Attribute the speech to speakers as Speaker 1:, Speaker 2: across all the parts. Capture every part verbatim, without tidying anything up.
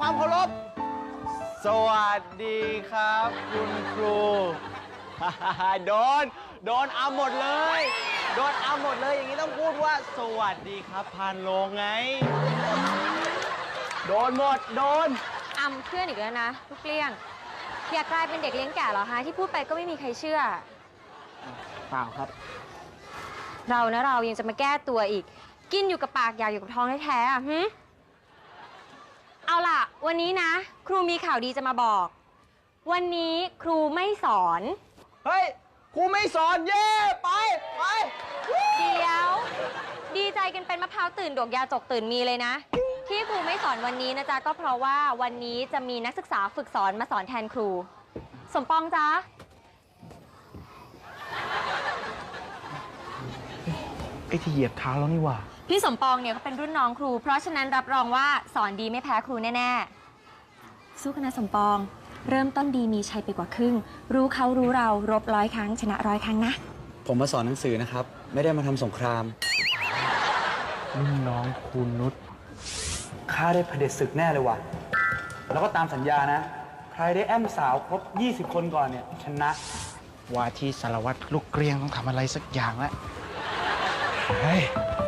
Speaker 1: ความเคารพสวัสดีครับคุณครู โดนโดนเอาหมดเลยโดนเอาหมดเลยอย่างนี้ต้องพูดว่าสวัสดีครับพานโลงไงโดนหมดโดน
Speaker 2: อำเพื่อนอีกแล้วนะลูกเกลี้ยงอยากกลายเป็นเด็กเลี้ยงแก่เหรอฮะที่พูดไปก็ไม่มีใครเชื่อ
Speaker 1: เปล่าครับ
Speaker 2: เรานะเรายังจะมาแก้ตัวอีกกินอยู่กับปากอยากอยู่กับท้องแท้ๆอ่ะฮึเอาล่ะวันนี้นะครูมีข่าวดีจะมาบอกวันนี้ครูไม่สอน
Speaker 1: เฮ้ยครูไม่สอนเย่ไปไป
Speaker 2: เดี๋ยวดีใจกันเป็นมะพร้าวตื่นดอกยาจกตื่นมีเลยนะที่ครูไม่สอนวันนี้นะจ๊ะก็เพราะว่าวันนี้จะมีนักศึกษาฝึกสอนมาสอนแทนครูสมปองจ๊ะ
Speaker 1: ไอ้ที่เหยียบเท้าแล้วนี่หว่า
Speaker 2: พี่สมปองเนี่ยเขาเป็นรุ่นน้องครูเพราะฉะนั้นรับรองว่าสอนดีไม่แพ้ครูแน่ๆสู้กันนะสมปองเริ่มต้นดีมีชัยไปกว่าครึ่งรู้เขารู้เรารบร้อยครั้งชนะร้อยครั้งนะ
Speaker 3: ผมมาสอนหนังสือนะครับไม่ได้มาทำสงคราม
Speaker 1: รุ่นน้องครูนุช
Speaker 3: ข้าได้เผด็จศึกแน่เลยว่ะแล้วก็ตามสัญญานะใครได้แอมสาวครบยี่สิบคนก่อนเนี่ยชนะ
Speaker 1: ว่าที่สารวัตรลูกเกรียงต้องทำอะไรสักอย่างแล้วเฮ้ย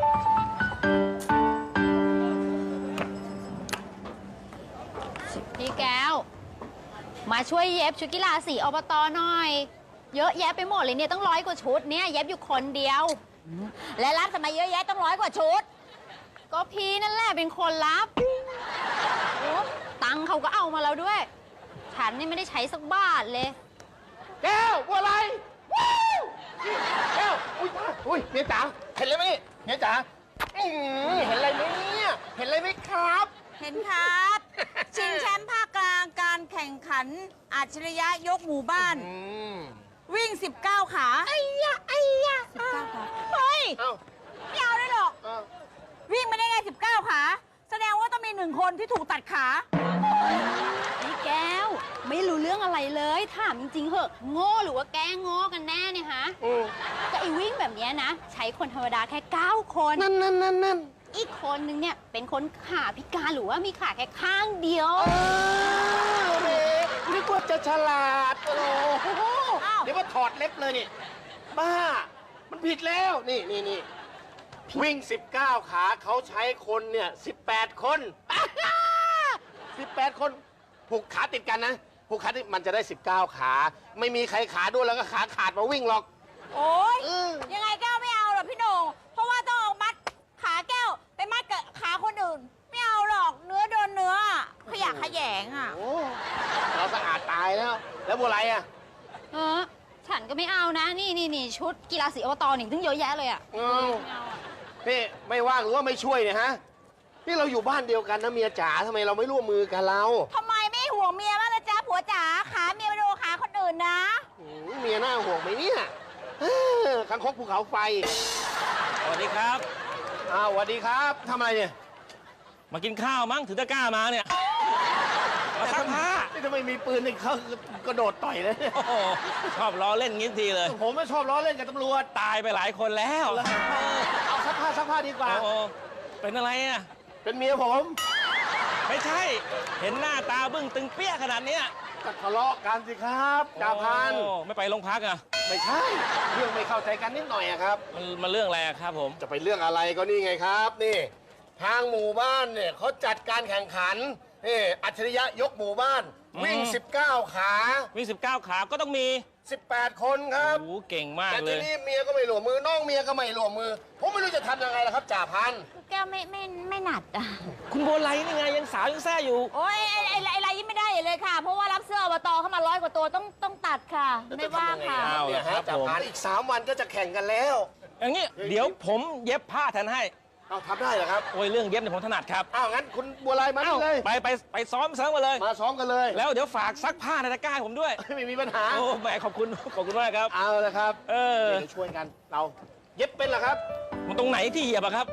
Speaker 4: พี่แก้วมาช่วยเย็บชุดกีฬาสีอบตหน่อยเยอะแยะไปหมดเลยเนี่ยต้องร้อยกว่าชุดเนี่ยเย็บอยู่คนเดียวและรับทำไมเยอะแยะต้องร้อยกว่าชุดก็พี่นั่นแหละเป็นคนรับโอ้ตังค์เขาก็เอามาแล้วด้วยฉันนี่ไม่ได้ใช้สักบาทเลย
Speaker 1: แก้วว่าอะไรแก้วอุ้ยอุ้ยเมียจ๋าเห็นอะไรไหมเมียจ๋าเห็นอะไรไหมเนี่ยเห็นอะไรไหมครับ
Speaker 5: เห็นครับชิงแชมป์ภาคกลางการแข่งขันอัจฉริยะยกหมู่บ้านวิ่งสิบเก้าขา
Speaker 4: ไอ้ยะไอ้ยะ
Speaker 5: สิบเก้าขาเฮ้ยไม่เอาได้หรอกวิ่งไม่ได้ไงสิบเก้าขาแสดงว่าต้องมีหนึ่งคนที่ถูกตัดขา
Speaker 4: พี่แก้วไม่รู้เรื่องอะไรเลยถามจริงๆเหอะโง่หรือว่าแกล้งโง่กันแน่เนี่ยฮะก็ไอ้วิ่งแบบนี้นะใช้คนธรรมดาแค่เก้าคน
Speaker 1: นั่นนั่นนั่นนั่น
Speaker 4: อีกคนนึงเนี่ยเป็นคนขาพิการหรือว่ามีขาแค่ข้างเดียว
Speaker 1: เฮ้ยนึกว่าจะฉลาดโอ้โหเดี๋ยวว่าถอดเล็บเลยนี่บ้ามันผิดแล้วนี่นี่นี่วิ่งสิบเก้าขาเขาใช้คนเนี่ยสิบแปดคนสิบแปดคนผูกขาติดกันนะผูกขาติดมันจะได้สิบเก้าขาไม่มีใครขาด้วยแล้วก็ขาขาดมาวิ่งหรอก
Speaker 5: โอ้ยยังไงแก้วไม่เอาหรอกพี่โหน่งเพราะว่าต้องเอามัดขาแก้วไปมัดกับขาคนอื่นไม่เอาหรอกเนื้อโดนเนื้อขยะขยงอ่ะ
Speaker 1: เราสะอาดตายแล้วแล้วบัวไรอ่ะ
Speaker 4: เออฉันก็ไม่เอานะนี่นี่นี่ชุดกีฬาสีอบตนี่ถึงเยอะแยะเลยอ่ะ
Speaker 1: นี่ไม่ว่างหรือว่าไม่ช่วยเนี่ยฮะนี่เราอยู่บ้านเดียวกันนะเมียจ๋าทำไมเราไม่ร่วมมือกันเรา
Speaker 5: ทำไมไม่ห่วงเมียบ้างล่ะจ๊ะผัวจ๋าขาเมียไปโดนขาคนอื่นนะ
Speaker 1: เมียน่าห่วงไหมเนี่ยคังคกภูเขาไฟ
Speaker 6: สวัสดีครับ
Speaker 1: อ้าวสวัสดีครับทำอะไรเนี่ย
Speaker 6: มากินข้าวมั้งถึงจะกล้ามาเนี่ยมาซักผ้า
Speaker 1: นี่ทำไมมีปืนนี่เขากระโดดต่อยเลย
Speaker 6: โอ้โหชอบล้อเล่นงี้ทีเลย
Speaker 1: ผมไม่ชอบล้อเล่นกับตำรวจ
Speaker 6: ตายไปหลายคนแล้ว
Speaker 1: เอาซักผ้าซักผ้าดีกว่า
Speaker 6: โอ้เป็นอะไรอ่ะ
Speaker 1: เป็นเมียผม
Speaker 6: ไม่ใช่เห็นหน้าตาบึ้งตึงเปี้ยขนาดเนี้ย
Speaker 1: ก็ทะเลาะกันสิครับจ่าพัน
Speaker 6: ไม่ไปโรงพักอ่ะ
Speaker 1: ไม่ใช่เรื่องไม่เข้าใจกันนิดหน่อยครับ
Speaker 6: มันมันเรื่องอะไรครับผม
Speaker 1: จะไปเรื่องอะไรก็นี่ไงครับนี่ทางหมู่บ้านเนี่ยเขาจัดการแข่งขันนี่อัจฉริยะยกหมู่บ้านวิ่งสิบเก้าขา
Speaker 6: วิ่งสิบเก้าขาก็ต้องมี
Speaker 1: สิบแปดคนครับ
Speaker 6: โอ้เก่งมากเลย
Speaker 1: แต่ทีนี้เมียก็ไม่หลวมมือน้องเมียก็ไม่หลวมมือผมไม่รู้จะทำยังไงล่ะครับจ่าพัน
Speaker 5: แก้วไม่ไม่ไม่หนัดอ่ะ
Speaker 6: คุณโบไลนี่ไงยังสาวยังแซ่อยู่
Speaker 5: โอ้ยไอ้ไอ้ไอ้ไรยิ่งไม่ได้เลยค่ะเพราะว่ารับเสื้ออบตเข้ามาร้อยกว่าตัวต้องต้องตัดค่ะไม่ว่างค่ะ
Speaker 1: เนี่ยฮะจ่าพันอีกสามวันก็จะแข่งกันแล้ว
Speaker 6: อย่างนี้เดี๋ยวผมเย็บผ้าแทนให้
Speaker 1: เอาทำได้เหรอครับ
Speaker 6: โอ้ยเรื่องเย็บเนี่ยผมถนัดครับ
Speaker 1: อ้าวงั้นคุณบัวลายมาเลย
Speaker 6: ไปไปไปซ้อมเสริมมาเลย
Speaker 1: มาซ้อมกันเลย
Speaker 6: แล้วเดี๋ยวฝากซักผ้าในตะกร้าผมด้วย
Speaker 1: ไม่มีปัญหา
Speaker 6: โอ้แหมขอบคุณขอบคุณมากครับ
Speaker 1: เอาเลยครับ
Speaker 6: เออ
Speaker 1: เดี๋ยวช่วยกันเราเย็บเป็นเหรอครับ
Speaker 6: มันตรงไหนที่เหยียบอะครับ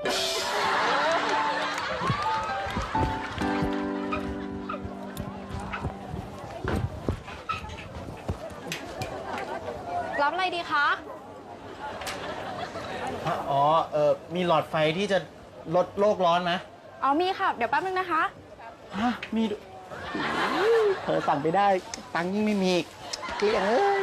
Speaker 2: รับอะไรดีคะ
Speaker 1: อ๋อเออมีหลอดไฟที่จะลดโลกร้อนไหม
Speaker 2: อ๋อมีค่ะเดี๋ยวแป๊บนึงนะคะ
Speaker 1: ฮะมีเธอสั่งไปได้ ตังค์ยิ่งไม่มีอีกเกลี้ยงเอ้ย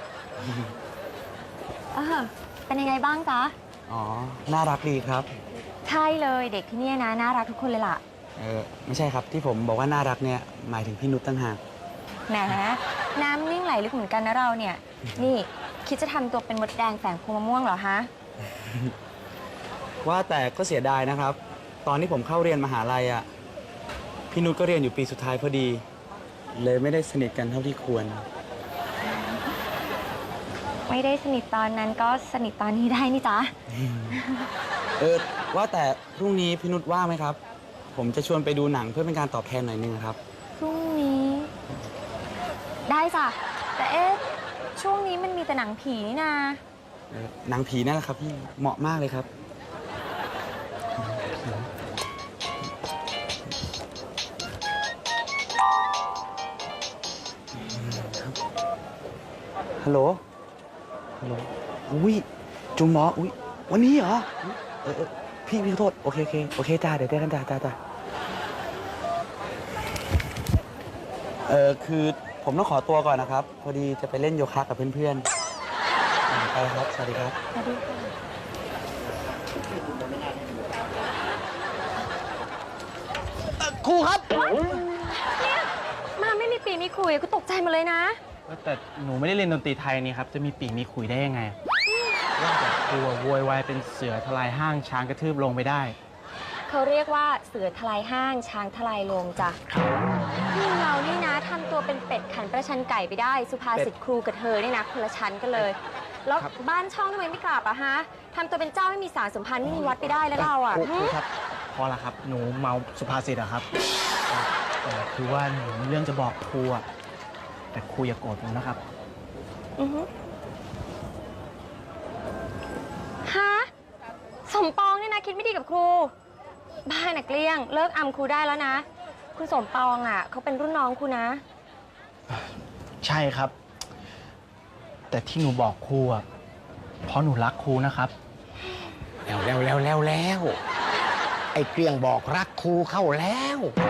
Speaker 2: เออเป็นยังไงบ้างจ๊ะ
Speaker 3: อ๋อ น่ารักดีครับ
Speaker 2: ใช่เลยเด็กที่เนี่ยนะน่ารักทุกคนเลยล่ะ
Speaker 3: เออไม่ใช่ครับที่ผมบอกว่าน่ารักเนี่ยหมายถึงพี่นุชตั้งหาก
Speaker 2: แหมน้ำนิ่งไหลลึกเหมือนกันนะเราเนี่ย นี่คิดจะทำตัวเป็นมดแดงแฝงพวงมะม่วงเหรอฮะ
Speaker 3: ว่าแต่ก็เสียดายนะครับ ตอนที่ผมเข้าเรียนมหาลัยอ่ะพี่นุชก็เรียนอยู่ปีสุดท้ายพอดี เลยไม่ได้สนิทกันเท่าที่ควร
Speaker 2: ไม่ได้สนิทตอนนั้นก็สนิทตอนนี้ได้นี่จ๊ะ
Speaker 3: เออว่าแต่พรุ่งนี้พี่นุชว่างไหมครับ ผมจะชวนไปดูหนังเพื่อเป็นการตอบแทนหน่อยนึงครับ
Speaker 2: พรุ่งนี้ ได้จ้ะแต่เอ๊ะช่วงนี้มันมีแต่หนังผีนี่นา
Speaker 3: เออหนังผีนั่นแหละครับพี่เหมาะมากเลยครับ ฮัลโหล ฮัลโหล อุ้ย จุงหมอ อุ้ย วันนี้เหรอ เออเออพี่พี่ขอโทษ โอเคโอเค โอเคจ้า เดี๋ยวเจอกันจ้าจ้าจ้าเออคือผมต้องขอตัวก่อนนะครับ พอดีจะไปเล่นโยคะกับเพื่อนๆ ไปครับ สวัสดีครับ
Speaker 2: สวัสดีค่ะ
Speaker 1: ครูครับ
Speaker 2: เนี่ยมาไม่มีปีมีคุยก็ตกใจหมาเลยนะ
Speaker 7: แต่หนูไม่ได้เรียนดนตรีไทยนี่ครับ จะมีปีกมีขุยได้ยังไงว่าแต่ครูอะโวยวายเป็นเสือทลายห้างช้างกระทืบลงไปได้
Speaker 2: เขาเรียกว่าเสือทลายห้างช้างทลายโลงจ้ะนี่เรานี่นะทำตัวเป็นเป็ดขันประชันไก่ไปได้ สุภาษิตครูกับเธอนี่นะคนละชั้นกันเลย แล้วบ้านช่องทำไมไม่กลับอะฮะทำตัวเป็นเจ้าไม่มีสารสัมพันธ์ไม่มีวัดไปได้แล้วเราอะ
Speaker 7: ครู
Speaker 2: หึ
Speaker 7: ครูครับ พอละครับ หนูเมาสุภาษิตอะครับแต่คือว่าหนูมีเรื่องจะบอกครูอะแต่ครูอย่าโกรธผมนะครับ
Speaker 2: อือฮึฮะสมปองเนี่ยนะคิดไม่ดีกับครู บ้านน่ะเกลี้ยง เลิกอำครูได้แล้วนะ คุณสมปองอ่ะเขาเป็นรุ่นน้องครูนะ
Speaker 7: ใช่ครับ แต่ที่หนูบอกครูอะเพราะหนูรักครูนะครับ
Speaker 1: แล้วแล้วแล้วแล้วแล้วไอ้เกลี้ยงบอกรักครูเข้าแล้ว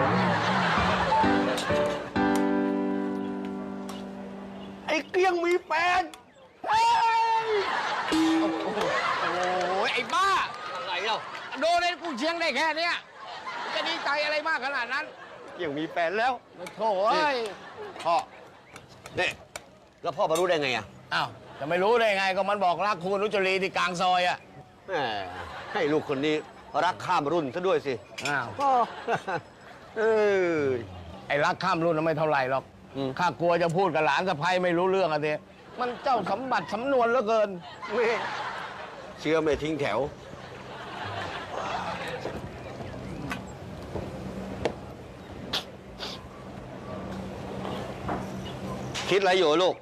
Speaker 1: ไอ้เกลี้ยงมีแฟนเฮ้ยโอ้โหไอ้บ้า อะไรเล่าโดนไอ้กูเชียงได้แค่เนี้ยจะดีใจอะไรมากขนาดนั้นเกลี้ยงมีแฟนแล้วโถ่เอ้ย
Speaker 8: พ่อนี่แล้วพ่อมารู้ได้ไงอ่ะ
Speaker 1: อ้าวจะไม่รู้ได้ไงก็มันบอกรักคุณนุจรีที่กลางซอยอ่ะ
Speaker 8: แหมให้ลูกคนนี้รักข้ามรุ่นซะด้วยสิ
Speaker 1: อ้าว
Speaker 8: พ่อ เออ
Speaker 1: ไอ้รักข้ามรุ่นน่ะไม่เท่าไหร่หรอก
Speaker 8: อืม
Speaker 1: ข้ากลัวจะพูดกับหลานสะใภ้ไม่รู้เรื่องอะเดมันเจ้าสมบัติสำนวนเหลือเกิน
Speaker 8: แม่เชื่อไม่ทิ้งแถว คิดอะไรอยู่ลูก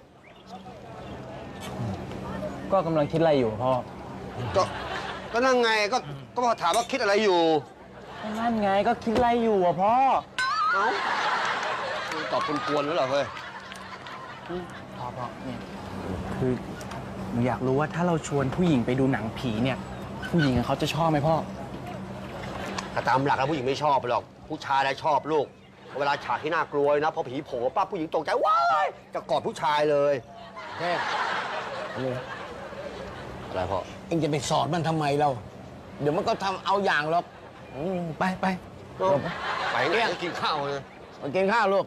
Speaker 7: ก็กำลังคิดอะไรอยู่พ่อ
Speaker 8: ก็ก็นั่งไงก็ก็พอถามว่าคิดอะไรอยู่
Speaker 7: นั่นไงก็คิดอะไรอยู่อะพ่อ
Speaker 8: เอ้าตอบกวนๆแล้วเหรอเฮ้ย
Speaker 7: พ่อพ่อเนี่ยคือหนูอยากรู้ว่าถ้าเราชวนผู้หญิงไปดูหนังผีเนี่ย ผู้หญิงเขาจะชอบไหมพ่อ
Speaker 8: ถ้าตามหลักแล้วผู้หญิงไม่ชอบหรอก ผู้ชายได้ชอบลูก เวลาฉากที่น่ากลัวนะพอผีโผล่ปั๊บผู้หญิงตกใจว้ายจะกอดผู้ชายเลย
Speaker 1: แค่นี่
Speaker 8: อะไรพ่อ
Speaker 1: เอ็งจะไปสอนมันทำไมเรา เดี๋ยวมันก็ทำเอาอย่างหรอกอืมไปไป
Speaker 8: ไปเนี่ยกินข้าวเลย
Speaker 1: มากินข้าวลูก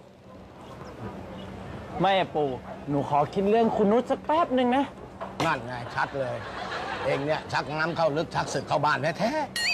Speaker 7: ไม่อะปู่หนูขอคิดเรื่องคุณนุชสักแป๊บหนึ่งนะ
Speaker 1: นั่นไงชัดเลย เองเนี่ยชักน้ำเข้าลึกชักศึกเข้าบ้านแท้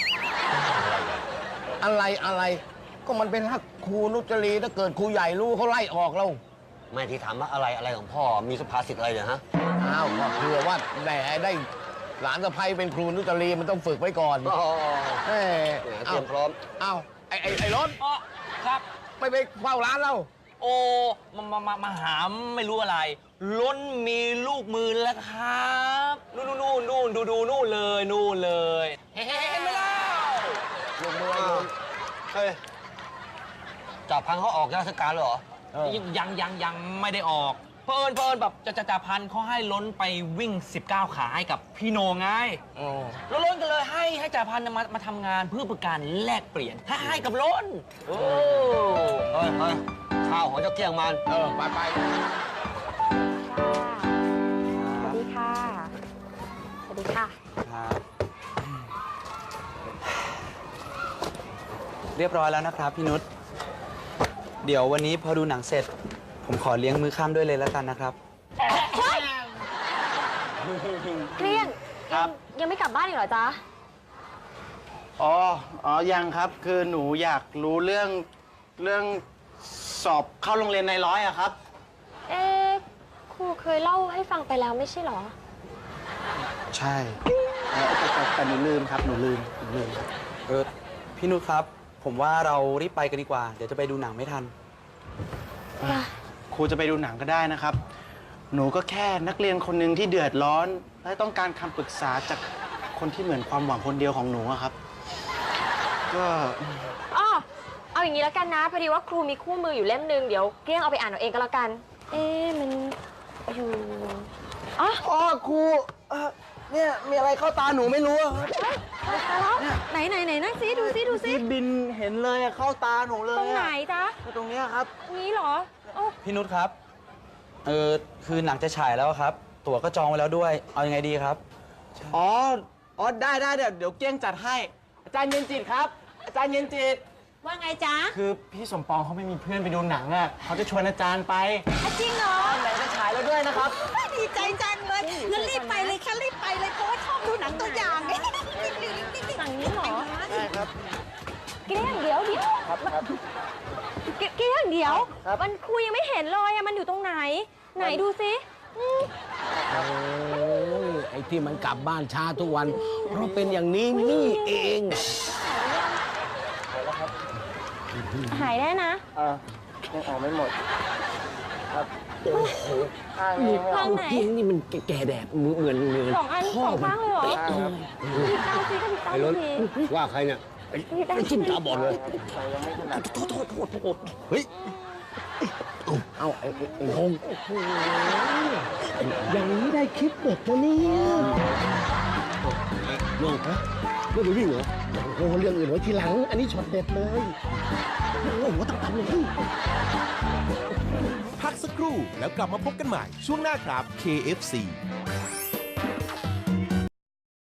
Speaker 1: ๆอะไรอะไรก็มันเป็นฮักครูนุจรีถ้าเกิดครูใหญ่รู้เขาไล่ออกเรา
Speaker 8: ไม่ที่ถามว่าอะไรอะไรของพ่อมีสุภาษิตอะไรเนี่ยฮะ
Speaker 1: อ้าวก็เผื่อว่าแหมได้หลานสะใภ้เป็นครูนุจรีมันต้องฝึกไว้ก่อน
Speaker 8: อ๋อ
Speaker 1: เอ้ย
Speaker 8: แหมเตรียมพร้อม
Speaker 1: เอ้าไอ้ไอ้ไอ้รถ
Speaker 6: อ๋อครับ
Speaker 1: ไม่ไปเฝ้าร้านเรา
Speaker 6: โอ้มามามามาหามไม่รู้อะไร ล้นมีลูกมือแล้วครับ นู่นนู่นนู่นดูดูนู่นเลยนู่นเลย เฮ้เห็นไหมเล่า
Speaker 1: ลงมือ
Speaker 8: อ้าวเฮ้ยจับพังเขาออกราชการเลยเหรอ
Speaker 6: ยังยังยังไม่ได้ออก เพลินเพลินแบบจะจะจะพันเขาให้ล้นไปวิ่ง สิบเก้า ขาให้กับพี่โหนงไง
Speaker 1: อ๋อ
Speaker 6: แล้วล้นก็เลยให้ให้จ่าพันธุ์มามาทำงานเพื่อเป็นการแลกเปลี่ยนให้ให้กับล้นโอ้
Speaker 8: เฮ้ยเฮ้ยข้าวของเจ้าเกี้ยงมัน
Speaker 1: เออ ไปไป
Speaker 2: สวัสดีค่ะ สวัสดีค่ะ
Speaker 3: ครับ เรียบร้อยแล้วนะครับพี่นุช เดี๋ยววันนี้พอดูหนังเสร็จ ผมขอเลี้ยงมื้อค่ำด้วยเลยแล้วกันนะครับ
Speaker 2: เกลี้ยง
Speaker 7: ครับ
Speaker 2: ยังไม่กลับบ้านอีกเหรอจ๊ะ
Speaker 7: อ๋อ อ๋อ ยังครับ คือหนูอยากรู้เรื่องเรื่องสอบเข้าโรงเรียนในร้อยอะครับ
Speaker 2: เอ๊ะครูเคยเล่าให้ฟังไปแล้วไม่ใช่เหรอ
Speaker 3: ใช่
Speaker 7: เอ่อแต่แต่แต่หนูลืมครับ หนูลืม หนูลืมครับ
Speaker 3: เออพี่นุชครับ ผมว่าเรารีบไปกันดีกว่า เดี๋ยวจะไปดูหนังไม่ทัน
Speaker 7: ครูจะไปดูหนังก็ได้นะครับ หนูก็แค่นักเรียนคนหนึ่งที่เดือดร้อน และต้องการคำปรึกษาจากคนที่เหมือนความหวังคนเดียวของหนูอะครับ ก็
Speaker 2: อ้อเอาอย่างนี้แล้วกันนะ พอดีว่าครูมีคู่มืออยู่เล่มหนึ่งเดี๋ยวเกลี้ยงเอาไปอ่านเอาเองก็แล้วกัน เอ๊ะมันอยู่อ๋อ
Speaker 7: อ๋อครูเอ่อเนี่ยมีอะไรเข้าตาหนูไม่รู้อะครับ
Speaker 2: แล้วไหนไหนไหนนั่งซิดูซิดูซิ
Speaker 7: ที่บินเห็นเลยอะเข้าตาหนูเลย
Speaker 2: ตรงไหน
Speaker 7: อะ
Speaker 2: จ๊ะ
Speaker 7: ตรงเนี้ยครับ
Speaker 2: นี้เหรอโอ้
Speaker 3: พี่นุชครับ เออคือหนังจะฉายแล้วครับ ตั๋วก็จองไว้แล้วด้วย เอายังไงดีครับ
Speaker 7: อ๋อ อ๋อ ได้ได้เดี๋ยวเดี๋ยวเก้งจัดให้ อาจารย์เย็นจิตครับ อาจารย์เย็นจิต
Speaker 5: ว่าไงจ๊ะ
Speaker 7: คือพี่สมปองเขาไม่มีเพื่อนไปดูหนังอ่ะเขาจะชวนอาจารย์ไป
Speaker 5: อ่ะจริงเหรอ
Speaker 7: ไหนจะฉายแล้วด้วยนะครับ
Speaker 5: ดีใจจังเลยงั้นรีบไปเลยค่ะรีบไปเลยเพราะว่าชอบดูหนังตัวอย่างไง
Speaker 2: สั่งนี้เหรอ
Speaker 7: ได้ครับ
Speaker 2: เกลี้ยงเดี๋ยวเดี๋ยว
Speaker 7: ครับครับ
Speaker 2: เกเกลี้ยงเดี๋ยว
Speaker 7: ครับ
Speaker 2: มันครูยังไม่เห็นเลยอะมันอยู่ตรงไหน ไหนดูซิอืม
Speaker 9: โอ้ยไอ้ที่มันกลับบ้านช้าทุกวัน เพราะเป็นอย่างนี้นี่เอง
Speaker 2: หายได้นะ
Speaker 7: เออยังออกไม่หมด ครับ
Speaker 9: โอ้โห
Speaker 7: ข้าง
Speaker 9: นี่
Speaker 7: นี้ไม่อ
Speaker 2: ข้า
Speaker 7: อก
Speaker 2: งไหน
Speaker 9: จริงนี่มันแก่แดดเหมือนเหมือน
Speaker 2: สองอัน
Speaker 9: พ่
Speaker 2: สองข้างเลยเหรอ
Speaker 9: ป๊ะ
Speaker 7: ครับ
Speaker 2: พี่เต้าซิก็พี่เต้า
Speaker 9: ไอ้รถ
Speaker 2: สิ
Speaker 9: ว่าใครเนี่ยไอ้
Speaker 2: พี่เต้า
Speaker 9: ไอ้จิ้มตาบอดเลย
Speaker 7: ใส่ยังไม่ถนัด
Speaker 9: โทษโทษโทษโทษเฮ้ย เอาไอ้ไอ้ไอ้พงษ์โอ้โหอย่างนี้ได้คลิปเด็ดตัวนี้น้องฮะเรื่องวิ่งเหรอโอ้โหเรื่องอื่นไว้ทีหลัง อันนี้ช็อตเด็ดเลยโอ้โหต้องทำเลย
Speaker 10: พักสักครู่แล้วกลับมาพบกันใหม่ช่วงหน้าครับ เค เอฟ ซี